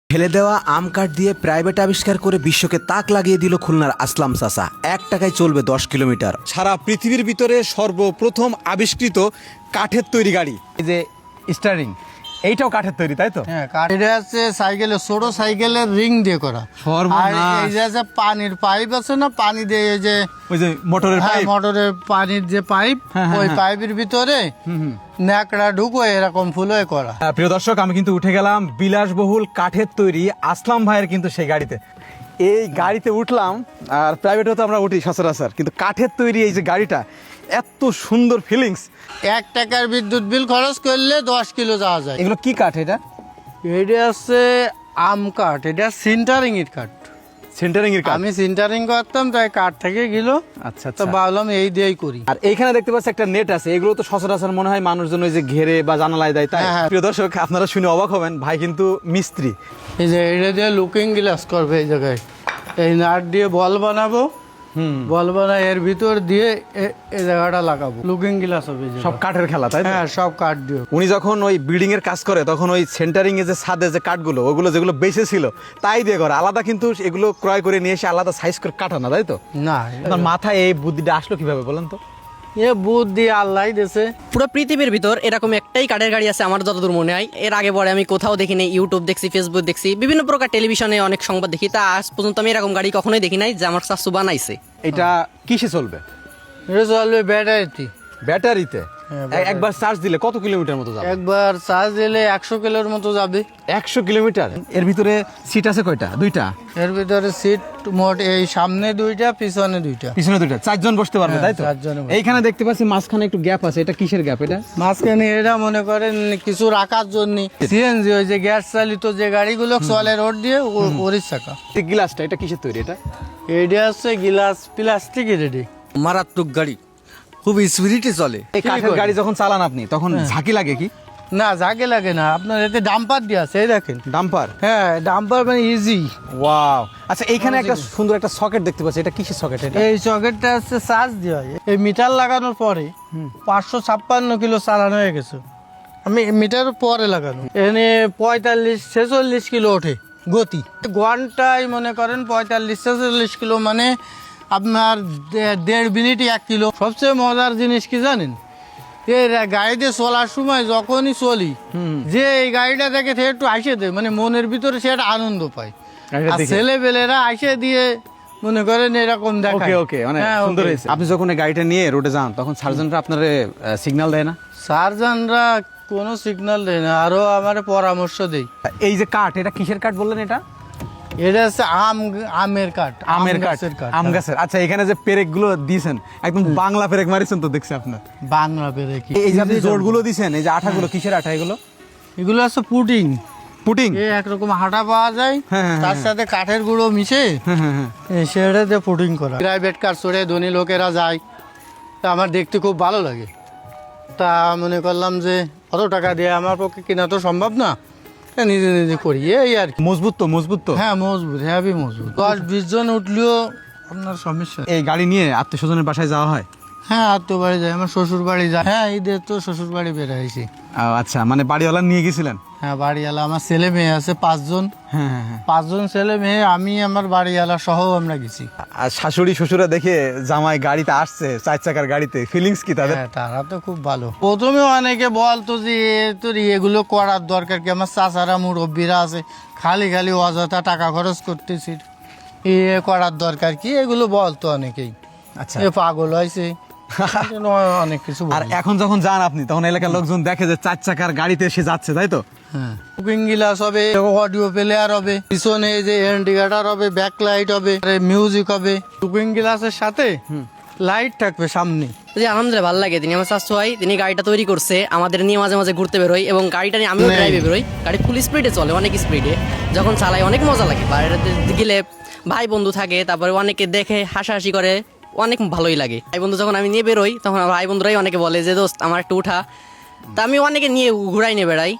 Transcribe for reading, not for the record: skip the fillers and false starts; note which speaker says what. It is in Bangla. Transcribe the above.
Speaker 1: ফেলে দেওয়া আম কাঠ দিয়ে প্রাইভেট আবিষ্কার করে বিশ্বকে তাক লাগিয়ে দিল খুলনার আসলাম চাচা। 1 টাকায় চলবে 10 কিলোমিটার।
Speaker 2: সারা পৃথিবীর ভিতরে সর্বপ্রথম আবিষ্কৃত কাঠের তৈরি গাড়ি, এই যে স্টারিং, এইটাও কাঠের তৈরি, তাই তো?
Speaker 3: হ্যাঁ, এটা হচ্ছে সাইকেলের ছোট সাইকেলের রিং দিয়ে করা। আর এই যে পানির পাইপ আছে না, পানি দিয়ে এই যে
Speaker 2: ওই যে মোটরের পাইপ,
Speaker 3: মোটরের পানির যে পাইপ, ওই পাইপের ভিতরে ন্যাকড়া ঢুকো এরকম ফুল করা।
Speaker 2: প্রিয় দর্শক, আমি কিন্তু উঠে গেলাম বিলাসবহুল কাঠের তৈরি আসলাম ভাইয়ের কিন্তু সেই গাড়িতে। এই গাড়িতে উঠলাম, আর প্রাইভেটও তো আমরা উঠি সচরাচর, কিন্তু কাঠের তৈরি এই যে গাড়িটা, এত সুন্দর ফিলিংস।
Speaker 3: 1 টাকার বিদ্যুৎ বিল খরচ করলে 10 কিলো যাওয়া যায়।
Speaker 2: এগুলো কি কাঠ? এটা
Speaker 3: হচ্ছে আম কাঠ, এটা সিন্টারিং এর কাঠ।
Speaker 2: সেন্টারিং এর কাঠ?
Speaker 3: আমি সিন্টারিং করতাম, তাই কাঠ থেকে গেল।
Speaker 2: আচ্ছা,
Speaker 3: তো ভাবলাম এই দিয়েই করি।
Speaker 2: আর এইখানে দেখতে পাচ্ছি একটা নেট আছে, এগুলো তো সচরাচর মনে হয় মানুষজন ওই যে ঘেরে বা জানালায় দেয়, তাই?
Speaker 3: হ্যাঁ।
Speaker 2: প্রিয় দর্শক, আপনারা শুনে অবাক হবেন, ভাই কিন্তু মিস্ত্রি।
Speaker 3: এই যে এটা দিয়ে লুকিং গ্লাস করবে এই জায়গায়। এই নাট দিয়ে বল বানাবো, বল বানায় এর ভিতর দিয়ে এই জায়গাটা লাগাবো, লুকিং গ্লাস হবে।
Speaker 2: সব কাঠের খেলা, তাই?
Speaker 3: হ্যাঁ, সব কাঠ দিয়ে।
Speaker 2: উনি যখন ওই বিল্ডিং এর কাজ করে, তখন ওই সেন্টারিং এ যে ছাদে যে কাঠগুলো, ওগুলো যেগুলো বেঁচে ছিল তাই দিয়ে করে, আলাদা কিন্তু এগুলো ক্রয় করে নিয়ে এসে আলাদা সাইজ করে কাটানো, তাই তো?
Speaker 3: না,
Speaker 2: আপনার মাথায় এই বুদ্ধিটা আসলো কিভাবে বলেন তো?
Speaker 3: এ বুদ্ধি আল্লাহ দিয়েছে।
Speaker 4: পুরো পৃথিবীর ভিতর এরকম একটাই কাঠের গাড়ি আছে আমার যতদূর মনে হয়। এর আগে পরে আমি কোথাও দেখিনি, ইউটিউব দেখছি, ফেসবুক দেখছি, বিভিন্ন প্রকার টেলিভিশনে অনেক সংবাদ দেখি, তা আজ পর্যন্ত আমি এরকম গাড়ি কখনোই দেখি নাই যে আমার চাচু বানাইছে।
Speaker 2: এটা কিসে চলবে?
Speaker 3: এটা চলবে ব্যাটারিতে।
Speaker 2: ব্যাটারিতে?
Speaker 3: হ্যাঁ, ব্যাটারি।
Speaker 2: একবার চার্জ দিলে কত কিলোমিটার মতো যাবে?
Speaker 3: একবার চার্জ দিলে 100 কিলোর মতো যাবে।
Speaker 2: 100 কিলোমিটার? এর ভিতরে সিট আছে কয়টা? 2টা?
Speaker 3: এর ভিতরে সিট মোট এই সামনে 2টা, পিছনে 2টা।
Speaker 2: পিছনে 2টা, 4 জন বসতে পারবে,
Speaker 3: হ্যাঁ,
Speaker 2: তাই তো?
Speaker 3: 4 জন বসতে।
Speaker 2: এইখানে দেখতে পাচ্ছি মাঝখানে একটু গ্যাপ আছে, এটা কিসের গ্যাপ এটা?
Speaker 3: মাঝখানে এটা মনে করেন কিছু রাখার জন্য সিএনজি, ওই যে গ্যাস চালিত যে গাড়িগুলো চলে রোড দিয়ে, ওরই চাকা।
Speaker 2: এই গ্লাসটা এটা কিসের তৈরি এটা?
Speaker 3: এইটা হচ্ছে গ্লাস প্লাস্টিকের। এটি
Speaker 5: মারাত্মক গাড়ি, খুব স্পিরিটে চলে।
Speaker 2: এই কাঠের গাড়ি যখন চালান আপনি, তখন ঝাঁকি লাগে কি?
Speaker 3: না, যাকে লাগে না, আপনার এতে ডাম্পার দিয়ে আছে, এই দেখেন।
Speaker 2: ডাম্পার?
Speaker 3: হ্যাঁ, ডাম্পার মানে ইজি।
Speaker 2: ওয়াও। আচ্ছা, এইখানে একটা সুন্দর একটা সকেট দেখতে পাচ্ছি, এটা কিসের সকেট এটা?
Speaker 3: এই সকেটটা হচ্ছে চার্জ দেওয়া হয়। এই মিটার লাগানোর পরে 556 কিলো চালানো হয়ে গেছে। আমি মিটার পরে লাগানো, এখানে 45-46 কিলো ওঠে গতি ঘন্টায়। মনে করেন 45-46 কিলো, মানে আপনার 1.5 মিনিটে 1 কিলো। সবচেয়ে মজার জিনিস কি জানেন? এই গাড়িতে চলার সময় যখনই চলি, যে এই গাড়িটা দেখে সে একটু আইসে দেয়, মানে মনের ভিতরে সে একটা আনন্দ পায়। আর ছেলেবেলেরা আইসে দিয়ে মনে করেন এরকম দেখায়।
Speaker 2: ওকে, অনেক সুন্দর হয়েছে। আপনি যখন এই গাড়িটা নিয়ে রোডে যান, তখন সার্জনরা আপনার সিগন্যাল দেয় না?
Speaker 3: সার্জনরা কোনো সিগন্যাল দেয় না, আরো আমার পরামর্শ দেয়।
Speaker 2: এই যে কাঠ, এটা কিসের কাঠ বললেন এটা?
Speaker 3: এটা হচ্ছে আমের কাঠ।
Speaker 2: আমের কাঠ? আম গাছের। আচ্ছা, এখানে যে পেরেক গুলো দিয়েছেন, একদম বাংলা পেরেক মারিছেন তো দেখছি আপনার।
Speaker 3: বাংলা পেরেক।
Speaker 2: এই যে আপনি জোড়গুলো দিয়েছেন, এই যে আঠাগুলো, কিসের আঠা এগুলো?
Speaker 3: এগুলো আছে পুটিং।
Speaker 2: পুটিং?
Speaker 3: এই একরকম হাঁটা পাওয়া যায়, তার সাথে কাঠের গুঁড়ো মিশে সেটা দিয়ে পুটিং করা। প্রাইভেট কার চড়ে ধনী লোকেরা যায়, তা আমার দেখতে খুব ভালো লাগে। তা মনে করলাম যে অত টাকা দিয়ে আমার পক্ষে কেনা তো সম্ভব না, তা নিজে নিজে করি, এই আর কি।
Speaker 2: মজবুত তো? মজবুত তো?
Speaker 3: হ্যাঁ, মজবুত, হ্যাভি মজবুত। 10-20 জন উঠলেও আপনার সমস্যা।
Speaker 2: এই গাড়ি নিয়ে আত্মীয় স্বজনের বাসায় যাওয়া হয়?
Speaker 3: হ্যাঁ, আত্মীয় বাড়ি যায়, আমার শ্বশুর বাড়ি যায়। হ্যাঁ, ঈদের তো শ্বশুর বাড়ি বেড়াইছি।
Speaker 2: আচ্ছা, মানে বাড়িওয়ালা নিয়ে গেছিলেন?
Speaker 3: হ্যাঁ, বাড়িওয়ালা, আমার ছেলে মেয়ে আছে 5 জন।
Speaker 2: হ্যাঁ।
Speaker 3: 5 জন ছেলে মেয়ে, আমি আমার বাড়িওয়ালা সহ আমরা গেছি।
Speaker 2: আর শাশুড়ি শ্বশুরা দেখে জামাই গাড়িতে আসছে, 4 চাকার গাড়িতে, ফিলিংস কি তাদের?
Speaker 3: হ্যাঁ, তারা তো খুব ভালো। প্রথমে অনেকে বলতো যে তোর এগুলো করার দরকার কি, আমার চাচারা মুরব্বীরা আছে, খালি খালি অযথা টাকা খরচ করতেছি, এ করার দরকার কি, এগুলো বলতো অনেকেই।
Speaker 2: আচ্ছা।
Speaker 3: এ পাগল হয়েছে, অনেক কিছু
Speaker 2: আর
Speaker 3: বলে।
Speaker 2: এখন যখন যান আপনি, তখন এলাকার লোকজন দেখে যে 4 চাকার গাড়িতে এসে যাচ্ছে, তাই তো?
Speaker 3: হ্যাঁ, কুকিং গ্লাস হবে, অডিও প্লেয়ার হবে, পিছনে এই যে ইন্ডিকেটর হবে, ব্যাক লাইট হবে, মিউজিক হবে। কুকিং গ্লাসের সাথে লাইট থাকবে সামনে।
Speaker 4: যে আলহামদুলিল্লাহ ভালো লাগে, তিনি আমার চাচু হয়, তিনি গাড়িটা তৈরি করছে, আমাদের নিয়ে মাঝে মাঝে ঘুরতে বেরোই, এবং গাড়িটা নিয়ে আমিও ড্রাইভে বেরোই। গাড়ি ফুল স্পিডে চলে, অনেক স্পিডে, যখন চালাই অনেক মজা লাগে। বাইরে গেলে ভাই বন্ধু থাকে, তারপরে অনেকে দেখে হাসাহাসি করে, অনেক ভালোই লাগে। ভাই বন্ধু যখন আমি নিয়ে বেরোই, তখন ভাই বন্ধুরাই অনেকে বলে যে দোস্ত আমার একটু উঠা, তা আমি অনেকে নিয়ে ঘুরাই নিয়ে বেড়াই।